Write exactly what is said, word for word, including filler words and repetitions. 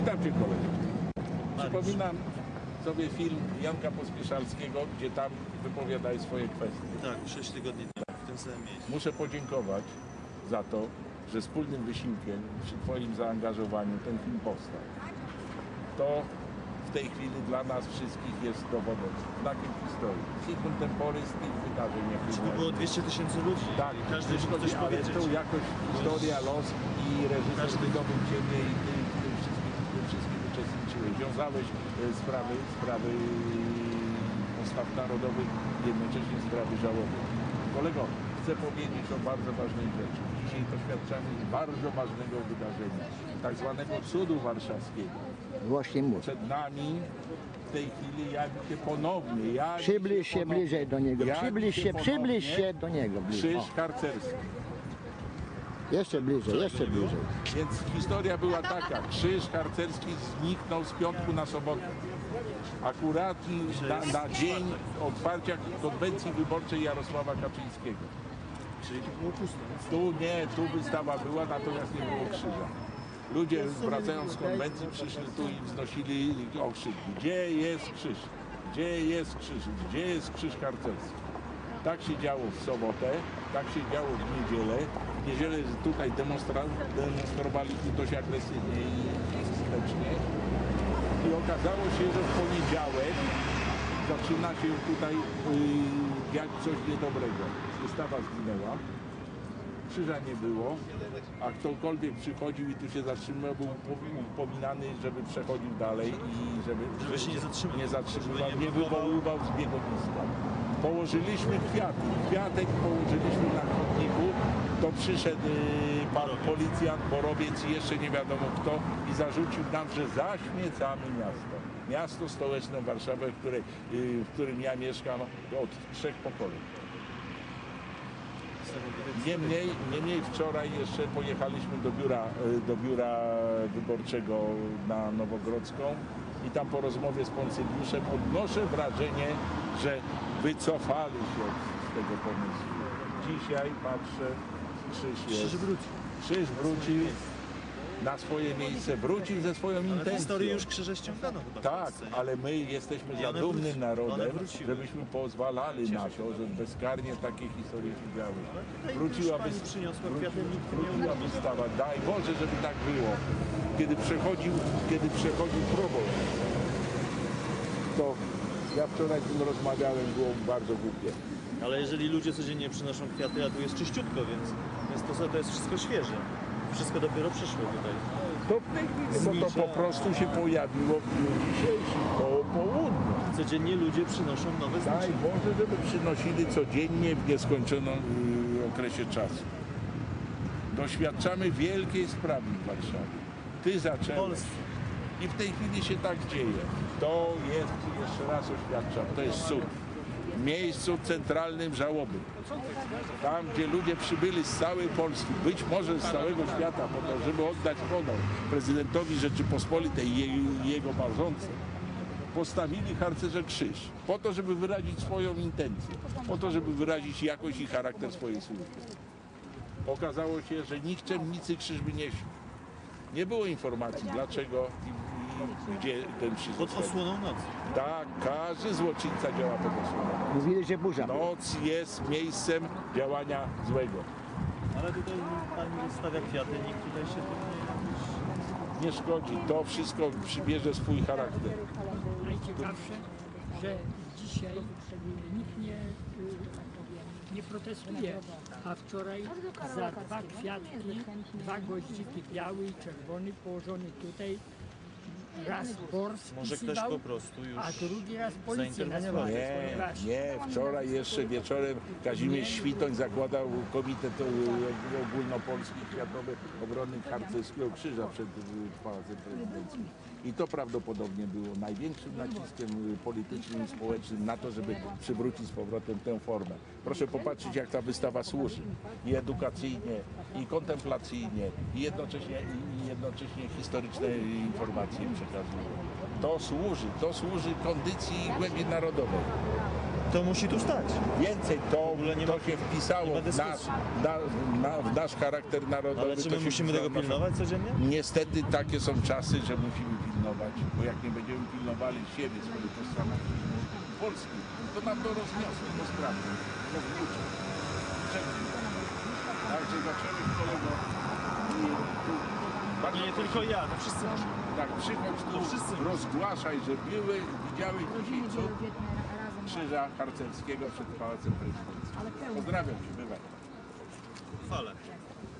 Witam Cię, kolego. Przypominam sobie film Janka Pospieszalskiego, gdzie tam wypowiadaj swoje kwestie. Tak, sześć tygodni temu, w tym samym miejscu. Muszę podziękować za to, że wspólnym wysiłkiem, przy Twoim zaangażowaniu ten film powstał. To w tej chwili dla nas wszystkich jest dowodem, znakiem historii. Signum temporis tych wydarzeń, jakie Żeby było dwieście tysięcy ludzi. Tak, każdy mógł coś ale powiedzieć. to jakoś historia, los i reżyser wydobył Ciebie i Ty w tym wszystkim, w tym wszystkim uczestniczyłeś. Wiązałeś sprawy, sprawy postaw narodowych i jednocześnie sprawy żałoby. Kolego, chcę powiedzieć o bardzo ważnej rzeczy. Dzisiaj doświadczamy bardzo ważnego wydarzenia, tak zwanego cudu warszawskiego. Właśnie mówię. Przed nami w tej chwili jawi się ponownie. Jawi Przybliż się ponownie, bliżej do niego. jawi Przybliż się, przybliż ponownie się do niego. Bliżej. Krzyż harcerski. Jeszcze bliżej, jeszcze bliżej. Więc historia była taka. Krzyż harcerski zniknął z piątku na sobotę. Akurat na, na dzień otwarcia konwencji wyborczej Jarosława Kaczyńskiego. Czyli było pusto. Tu nie, tu wystawa była, natomiast nie było krzyża. Ludzie wracając z konwencji przyszli tu i wznosili okrzyki. Gdzie jest krzyż? Gdzie jest krzyż? Gdzie jest krzyż harcerski? Tak się działo w sobotę, tak się działo w niedzielę. W niedzielę tutaj demonstra demonstrowaliśmy dość agresywnie i skutecznie. I okazało się, że w poniedziałek zaczyna się tutaj yy, dziać coś niedobrego. Wystawa zginęła. Krzyża nie było, a ktokolwiek przychodził i tu się zatrzymał, był upominany, żeby przechodził dalej i żeby, Żeby się nie zatrzymał. nie zatrzymywał, Żeby nie nie wywoływał zbiegowiska. Położyliśmy kwiaty. Kwiatek położyliśmy na chodniku, to przyszedł yy, pan policjant, borowiec i jeszcze nie wiadomo kto i zarzucił nam, że zaśmiecamy miasto. Miasto stołeczne Warszawę, w, której, yy, w którym ja mieszkam od trzech pokoleń. Niemniej, niemniej wczoraj jeszcze pojechaliśmy do biura, do biura wyborczego na Nowogrodzką i tam po rozmowie z konsyliuszem odnoszę wrażenie, że wycofali się z tego pomysłu. Dzisiaj patrzę, krzyż jest. Krzyż wróci. Krzyż wrócił na swoje miejsce, wrócił ze swoją Ale w intencją. historii już krzyże ściągano chyba w Tak, Polsce, nie? ale my jesteśmy I za one dumnym wróci- narodem, one wróciły. żebyśmy pozwalali na to, żeby bezkarnie takie historie się działy. Tutaj Wróciła, już pani wys- przyniosła wróci- kwiaty, nikt nie wróciła umarł. wystawa. Daj Boże, żeby tak było. Kiedy przechodził, kiedy przechodził proboszcz, to ja wczoraj z nim rozmawiałem, było bardzo głupie. Ale jeżeli ludzie codziennie przynoszą kwiaty, a tu jest czyściutko, więc, więc to, to jest wszystko świeże. Wszystko dopiero przyszło tutaj. To w tej chwili, bo to po prostu się pojawiło w dniu dzisiejszym, koło południa. Codziennie ludzie przynoszą nowe Daj znaczenia. Boże, żeby przynosili codziennie w nieskończonym y, okresie czasu. Doświadczamy wielkiej sprawy w Warszawie. Ty zacząłeś. Polsce. I w tej chwili się tak dzieje. To jest, jeszcze raz oświadczam, to jest cud. W miejscu centralnym żałoby. Tam, gdzie ludzie przybyli z całej Polski, być może z całego świata, po to, żeby oddać honor prezydentowi Rzeczypospolitej i jej- jego małżonce, postawili harcerze krzyż, po to, żeby wyrazić swoją intencję, po to, żeby wyrazić jakość i charakter swojej służby. Okazało się, że nikczemnicy krzyż wynieśli. Nie było informacji, dlaczego i, i gdzie ten krzyż Pod został. osłoną nocy. Tak, każdy złoczyńca działa pod osłoną. Mówili, że burza. Noc jest miejscem działania złego. Ale tutaj pani stawia kwiaty, nikt tutaj się tym nie... Nie szkodzi, to wszystko przybierze swój charakter. Najciekawsze, że dzisiaj nikt nie, nie protestuje, a wczoraj za dwa kwiatki, dwa goździki biały i czerwony położony tutaj, raz Bors Może ktoś pisywał, po prostu już a drugi raz policja zainterweniował. nasłała. Nie, Właśnie. nie, wczoraj jeszcze wieczorem Kazimierz Świtoń zakładał Komitet Ogólnopolski Światowy Obrony Harcerskiego Krzyża przed y, Pałacem Prezydenckim. I to prawdopodobnie było największym naciskiem y, politycznym i społecznym na to, żeby przywrócić z powrotem tę formę. Proszę popatrzeć, jak ta wystawa służy. I edukacyjnie, i kontemplacyjnie, i jednocześnie, i jednocześnie historyczne informacje przekazuje. To służy, to służy kondycji głębi narodowej. to musi tu stać. Więcej to, ogóle nie to ma- się wpisało nie ma w nasz, dyskusji. na, na, w nasz charakter narodowy. Ale czy to my się musimy wpisało tego w naszą- pilnować codziennie? Niestety takie są czasy, że musimy pilnować, bo jak nie będziemy pilnowali siebie, swojej tożsamości Polski, to nam to rozniosą, to sprawy, rozwrócą. Także zaczęły kolego i tu bardzo Nie tylko ja, to wszyscy muszą. tak, przychodź tu, To wszyscy. rozgłaszaj, że były, widziały dzisiaj cud krzyża harcerskiego przed Pałacem Prezydenckim. Pozdrawiam Cię, bywaj. Chwale.